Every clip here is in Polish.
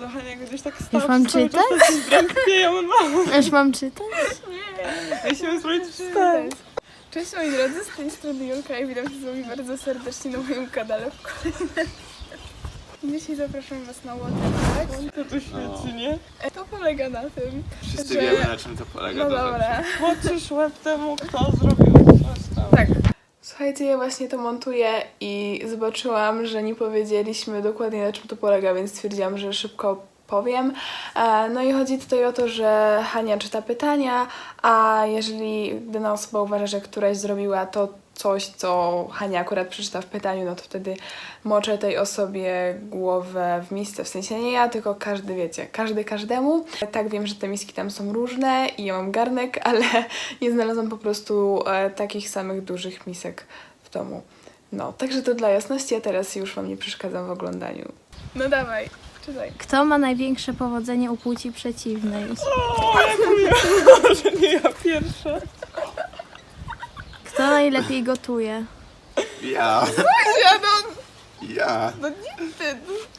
Jezu, Hania gdzieś tak stała. Już mam czytać? Już mam czytać? Ja się spróbuję czytać. Cześć moi drodzy, z tej strony Julka i witam się z wami bardzo serdecznie na moim kanale w kolejnym. Dzisiaj zapraszam was na waterpark. To tu świeci, nie? To polega na tym, Wszyscy że... wiemy, na czym to polega. No dobra. Płacisz łeb temu, kto zrobił coś tam. Tak. Słuchajcie, ja właśnie to montuję i zobaczyłam, że nie powiedzieliśmy dokładnie, na czym to polega, więc stwierdziłam, że szybko powiem. No i chodzi tutaj o to, że Hania czyta pytania, a jeżeli dana osoba uważa, że któraś zrobiła to coś, co Hania akurat przeczyta w pytaniu, no to wtedy moczę tej osobie głowę w misce. W sensie nie ja, tylko każdy, wiecie, każdy każdemu. Tak, wiem, że te miski tam są różne i ja mam garnek, ale nie znalazłam po prostu takich samych dużych misek w domu. No, także to dla jasności, a teraz już wam nie przeszkadzam w oglądaniu. No dawaj, czytaj. Kto ma największe powodzenie u płci przeciwnej? O, ja że nie ja pierwsza. Kto najlepiej gotuje? Ja. Ja no, Ja. no nie ty.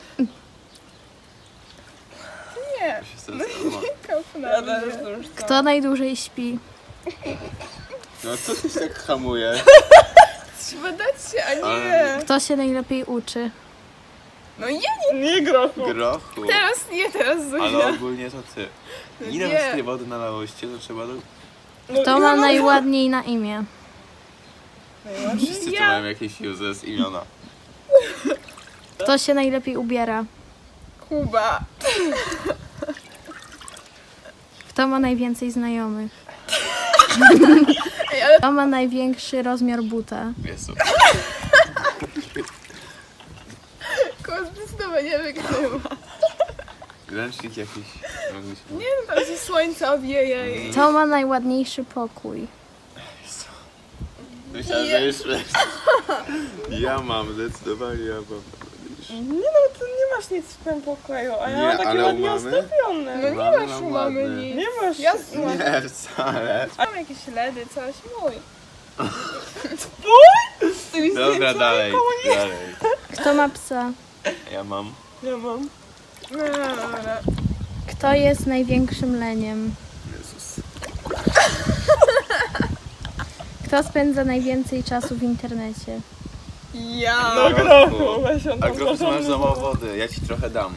Nie, Ja się stresowałam. kop na Ja mnie. też już tam. Kto najdłużej śpi? No co się tak hamuje? Trzeba dać się, a nie. Ale- Kto się najlepiej uczy? No ja nie. Nie grochu. Grochu. Teraz nie, teraz Zuzia. Ale ogólnie to ty. Ile Nie. z tej wody nalałyście, to trzeba do... Kto ma najładniej na imię? Wszyscy tu mają jakieś useless imiona. Kto się najlepiej ubiera? Kuba. Kto ma najwięcej znajomych? Ej, ale Kto ma największy rozmiar buta? Jezu. Kuba zdecydowanie wygrywa. Ręcznik jakiś. Nie no, tam się słońce obieje i... Kto ma najładniejszy pokój? Myślałem, że jeszcze... Ja mam, zdecydowanie ja mam. Nie no, ty nie masz nic w tym pokoju, a ja Nie, mam takie ale u ładnie mamy? ustawione. No nie Mamy masz mam u mamy ładny. nic. Nie masz. Ja Nie, wcale. mam jakieś LEDy, coś mój. Dobra, dalej, dalej. Kto ma psa? Ja mam. Ja mam. No, dobra. Kto jest największym leniem? Jezus. Kto spędza najwięcej czasu w internecie? Ja. No Grochu. grochu, weź on A tam grochu masz porządny za mało dom. wody, ja ci trochę dam.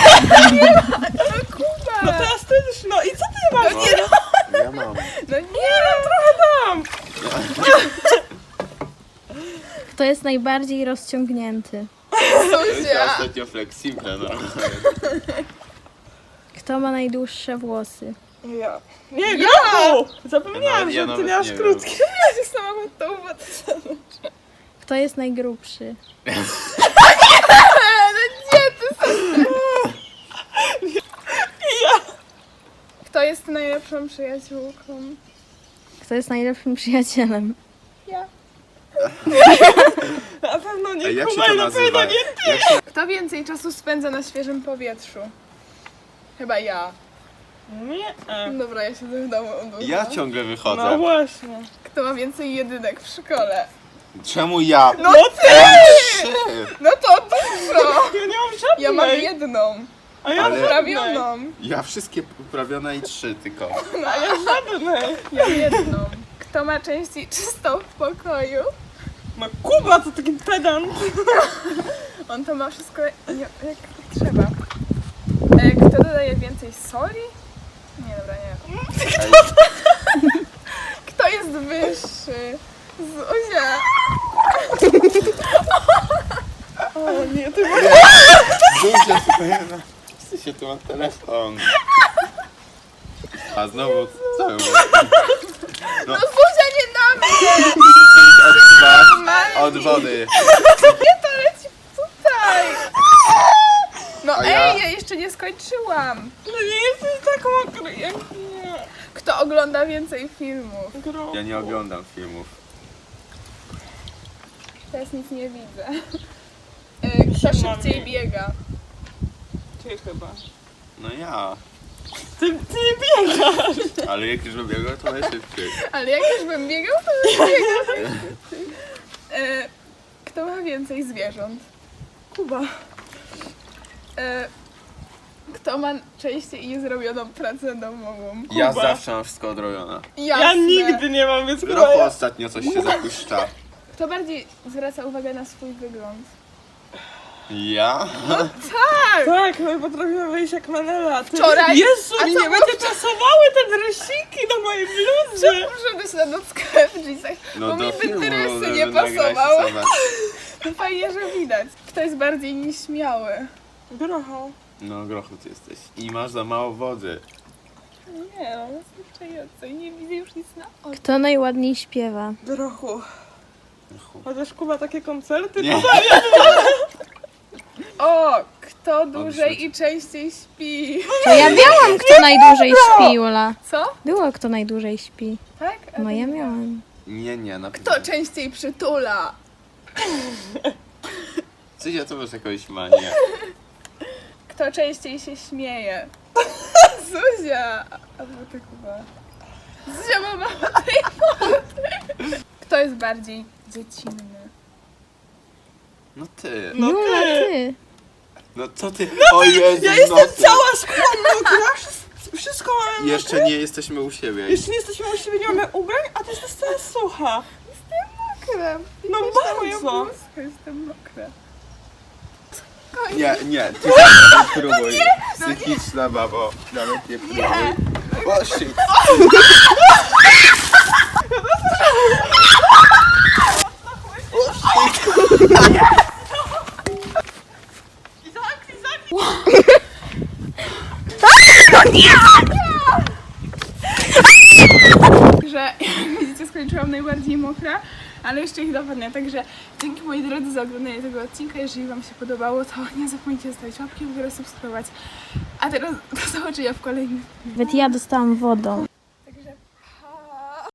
Kuba. No teraz ty już, no i co ty masz? Ja mam. No nie. Tam. Kto jest najbardziej rozciągnięty? To jest Zuzia. ostatnio flexible, no. Kto ma najdłuższe włosy? Ja. Nie, grochu! Zapomniałam, Ja że nawet ty nie masz nie krótkie. Ja się sama pod tą wodę. Kto jest najgrubszy? No nie, ty sobie. Kto jest najlepszą przyjaciółką? Kto jest najlepszym przyjacielem? Ja. Na pewno nie Ej, jak się Kuba to i na nazywa? pewno nie. Jak się... Kto więcej czasu spędza na świeżym powietrzu? Chyba ja. Nie. Dobra, ja siedzę w domu od długo. Ja ciągle No wychodzę. właśnie. Kto ma więcej jedynek w szkole? Czemu ja? No ty! Trzy! No to dużo! Ja nie mam żadnej. Ja mam jedną. A ja Ale- Poprawioną. Ja wszystkie poprawione i 3 tylko. A ja żadnej. Ja jedną. Kto ma częściej czystą w pokoju? No Kuba to taki pedant. On to ma wszystko jak trzeba. Kto dodaje więcej soli? Nie, dobra, nie. Ej, Kto jest wyższy? Zuzia. O nie, ty masz... Zuzia, ty się tu ma telefon. A znowu co? No Zuzia nie na mnie! Od was, Normalnie. od wody. Nie, to leci tutaj! No A ej, ja- ja jeszcze nie skończyłam. No nie jesteś tak mokry jak nie. Kto ogląda więcej filmów? Grochu. Ja nie oglądam filmów. Teraz nic nie widzę. Kto szybciej biega? Ty chyba. No ja. Ty nie biegasz. Ale jak już bym biegał, to najszybciej. Ale jak już bym biegał, to bym biegał. Kto ma więcej zwierząt? Kuba. Kto ma częściej niezrobioną pracę domową? Ja zawsze mam wszystko odrobione. Ja nigdy nie mam, więc chyba Grochu ja. ostatnio coś się zapuszcza. Kto bardziej zwraca uwagę na swój wygląd? Ja? Tak, my potrafimy wyjść jak Manela. Ty... Wczoraj- Jezu, a mi co nie będzie pasowały te dresiki do mojej bluzy. Muszę być na nockę w jeansach, bo mi by dresy nie pasowały. No fajnie, że widać. Kto jest bardziej nieśmiały? Grocho. No Grochu ty jesteś. I masz za mało wody. Nie no, wystarczająco i nie widzę już nic na oczy. Kto najładniej śpiewa? Grochu. Grochu. Chociaż Kuba takie koncerty. Nie. O, kto dłużej i częściej śpi? To ja miałam, kto najdłużej śpi, Ula. Co? Było, kto najdłużej śpi. Tak? A No to ja nie. miałam. Nie, na Kto częściej przytula? Zuzia, to masz jakąś manię. Kto częściej się śmieje? Zuzia! Albo ty Kuba. Zuzia ma mało tej wody. Kto jest bardziej dziecinny? No ty. No Jula, ty. ty. No co ty? O Jezu, Ja no jestem ty. cała szklana, wszystko mamy. Jeszcze nie jesteśmy u siebie. Jeszcze nie jesteśmy u siebie, nie mamy ubrań, a ty jesteś cała sucha. Mokra. No Moją bardzo. bluzkę, jestem mokra. Nie, ty próbuj. Psychiczna babo. Nawet nie próbuj. O shit. Że jak widzicie, skończyłam najbardziej mokra, ale jeszcze ich dopadnę. Także dzięki moi drodzy za oglądanie tego odcinka. Jeżeli wam się podobało, to nie zapomnijcie zostawić łapki w górę, subskrybować. A teraz do zobaczenia w kolejnym. Nawet ja dostałam wodą.